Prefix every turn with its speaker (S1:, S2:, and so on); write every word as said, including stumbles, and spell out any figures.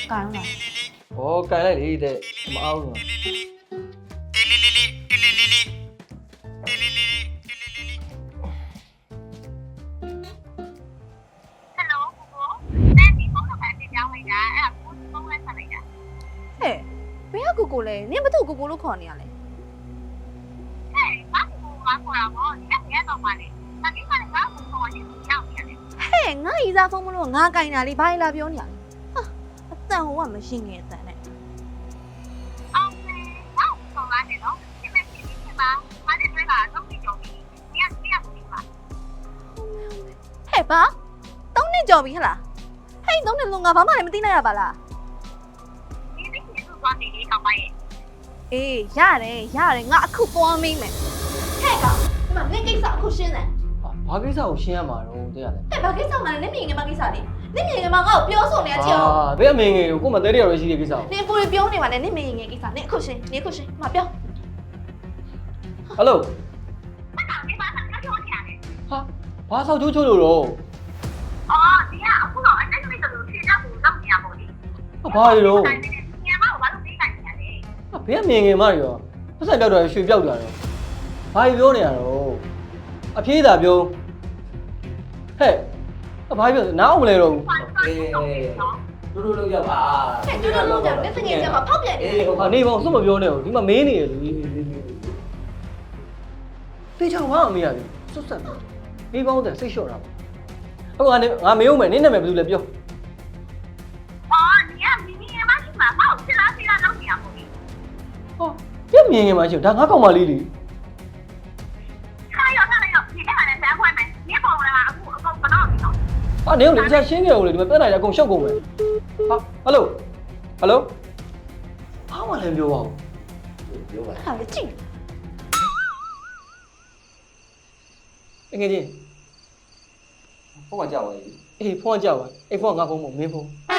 S1: ကန်လား
S2: ဩကန်လိုက်လေတဲ့မအောင်ဘူး
S1: ဟဲ့ဘယ်ကကိုကိုလဲနင်ဘာလို့ကိုကိုလို့ခေါ်နေရလဲဟဲ့ငါဤစားဖုန်းမလို့ငါကင်တာလေးဘာလာပြောနေရလဲဟာအတန်ဟိုကမရှင်းငယ်အတန်နဲ့ဟဲ့ဘာသုံးနှစ်ကြော်ပြီဟလားဟဲ့သုံးနှစ်လုံးငါဘာမှလည်းမသိနိုင်ရပါလားအေးရတယ်ရတယ်ငါအခုသွားမင်းမယ်ဟဲ့ကောင်ဒီမှာနင်ကိစ္စအခုရှင်းတယ်
S2: ဘာကိစ္စကိုရှင်းရမှာတော့တဲ့ရတယ်
S1: ဟဲ့ဘာကိစ္စမှလည်းနင်မြင်ငယ်မကိစ္စလေနင်မြင်ငယ်မငါ့ကိုပြောဆိုနေတဲ့အချက်ကို
S2: အာဘယ်အမင်းငယ်ကိုကိုမသေးတဲ့ရရှိတဲ့ကိစ္စကို
S1: နင်ကိုယ်ပြောနေပါနဲ့နင်မြင်ငယ်ကိစ္စနင်အခုရှင်းနင်အခုရှင်းမပြော
S2: ဟယ်လိုဟာဘာဆောက်ချိုးချိုးလို့တော့ဟာဘာလို့ဘယ်အမင်းငယ်မရောပတ်စံပြောက်တော့ရွှေပြောက်တာတော့ဘာပြောနေရတော့အပြေးသာပြောဟဲ့ဘာပြောနားအောင်မလဲတော့ဘူး
S3: တူတူလုံးရောက်ပါ
S1: ဟဲ့တူတူလုံးကြတယ်တကယ်ကြမှာဖောက်ပြန်နေတယ်
S2: ဟာနေပေါင်းစွတ်မပြောနဲ့ဘူးဒီမှာမင်းနေရလေတေချောင်းဘာအမေရပြီစွတ်ဆက်နေပေါင်းတဲ့စိတ်လျှော့တာပေါ့အခုငါငါမေးဦးမယ်နင်းနာမည်ဘယ်သူလဲပြောဟောပြမြင်ငယ်မှာရှိဒါငါကောင်မလေးလေဟာနေဦးလေအချက်ရှင်းခဲ့ဦးလေဒီမှာပြဿနာကြီးအကုန်ရှုပ်ကုန်မယ်ဟာဟယ်လိုဟယ်လိုဘာမှလည်းပြောပါဦး
S3: ပြောပါ
S1: ဟာလေကြည့်
S2: ငယ်ချင်း
S3: ဖုန်းကကြောက်ပါလေ
S2: အေးဖုန်းကကြောက်ပါအေးဖုန်းကငါဖုန်းမဟုတ်မင်းဖုန်း
S1: ဟ